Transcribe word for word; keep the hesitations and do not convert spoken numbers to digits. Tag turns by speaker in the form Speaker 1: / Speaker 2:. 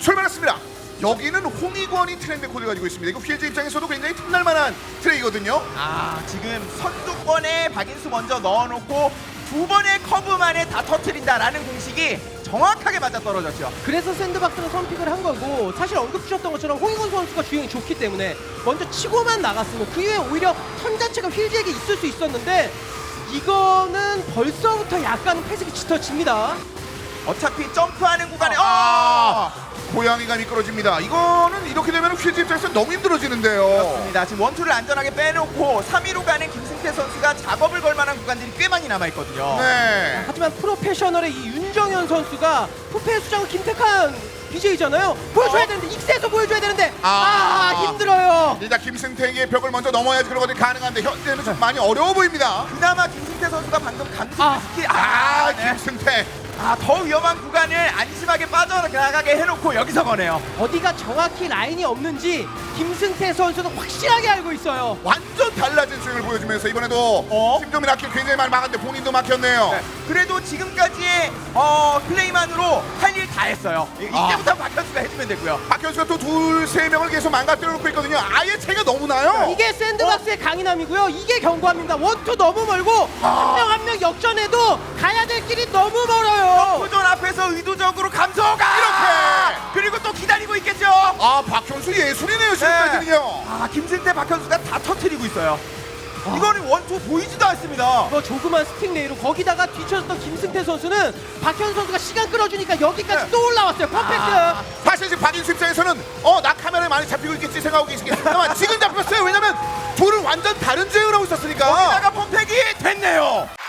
Speaker 1: 출발했습니다. 여기는 홍익원이 트랙 코드를 가지고 있습니다. 이거 피엘지 입장에서도 굉장히 틈날 만한 트랙이거든요.
Speaker 2: 아 지금 선두권에 박인수 먼저 넣어놓고 두 번의 커브 만에 다 터트린다라는 공식이 정확하게 맞아떨어졌죠.
Speaker 3: 그래서 샌드박스를 선픽을 한 거고, 사실 언급 주셨던 것처럼 홍익원 선수가 주행이 좋기 때문에 먼저 치고만 나갔으면 그 이후에 오히려 턴 자체가 휠즈에게 있을 수 있었는데 이거는 벌써부터 약간 패색이 짙어집니다.
Speaker 2: 어차피 점프하는 구간에
Speaker 1: 아,
Speaker 2: 어!
Speaker 1: 고양이가 미끄러집니다. 이거는 이렇게 되면 휠즈 입장에서 너무 힘들어지는데요.
Speaker 2: 그렇습니다. 지금 원투를 안전하게 빼놓고 삼 위로 가는 김승태 선수가 작업을 걸 만한 구간들이 꽤 많이 남아있거든요.
Speaker 1: 네.
Speaker 3: 하지만 프로페셔널의 이 윤정현 선수가 후패 수장은 김태칸 비제이잖아요. 보여줘야
Speaker 1: 어?
Speaker 3: 되는데, 익스에서 보여줘야 되는데
Speaker 1: 아.
Speaker 3: 아, 힘들어요.
Speaker 1: 일단 김승태에게 벽을 먼저 넘어야지 그런 것들이 가능한데 현재는 좀 많이 어려워 보입니다.
Speaker 2: 그나마 김승태 선수가 방금 감속
Speaker 3: 아.
Speaker 2: 스킬
Speaker 1: 아,
Speaker 2: 아, 네.
Speaker 1: 김승태.
Speaker 2: 아, 더 위험한 구간을 안심하게 빠져나가게 해놓고 여기서 거네요.
Speaker 3: 어디가 정확히 라인이 없는지 김승태 선수는 확실하게 알고 있어요.
Speaker 1: 완전 달라진 스윙을 보여주면서 이번에도
Speaker 2: 어?
Speaker 1: 김종민 아킬 굉장히 많이 막았는데 본인도 막혔네요.
Speaker 2: 네. 그래도 지금까지의 어, 플레이만으로 할 일 다 했어요. 이-
Speaker 1: 아.
Speaker 2: 이때부터 박현수가 해주면 되고요.
Speaker 1: 박현수가 또 둘, 세 명을 계속 망가뜨려 놓고 있거든요. 아예 차이가 너무 나요.
Speaker 3: 이게 샌드박스의 강인함이고요. 이게 경고합니다. 원투 너무 멀고 한 명 한 명 역전해도 가야 될 길이 너무 멀어요.
Speaker 2: 도전 앞에서 의도적으로 감소가
Speaker 1: 이렇게!
Speaker 2: 그리고 또 기다리고 있겠죠.
Speaker 1: 아, 박현수 예술이네요, 지금까지는요.
Speaker 2: 아 김승태 박현수가 다 터트리고 있어요. 이거는 원투 보이지도 않습니다.
Speaker 3: 뭐 조그만 스틱 레이로 거기다가 뒤쳐졌던 김승태 선수는 박현 선수가 시간 끌어주니까 여기까지
Speaker 2: 네.
Speaker 3: 또 올라왔어요. 퍼펙트.
Speaker 1: 아, 사실 지금 박인수 입장에서는 어, 나 카메라에 많이 잡히고 있겠지 생각하고 계시겠지만 지금 잡혔어요. 왜냐면 둘은 완전 다른 제휴를 하고 있었으니까.
Speaker 2: 거기다가 펌팩이 됐네요.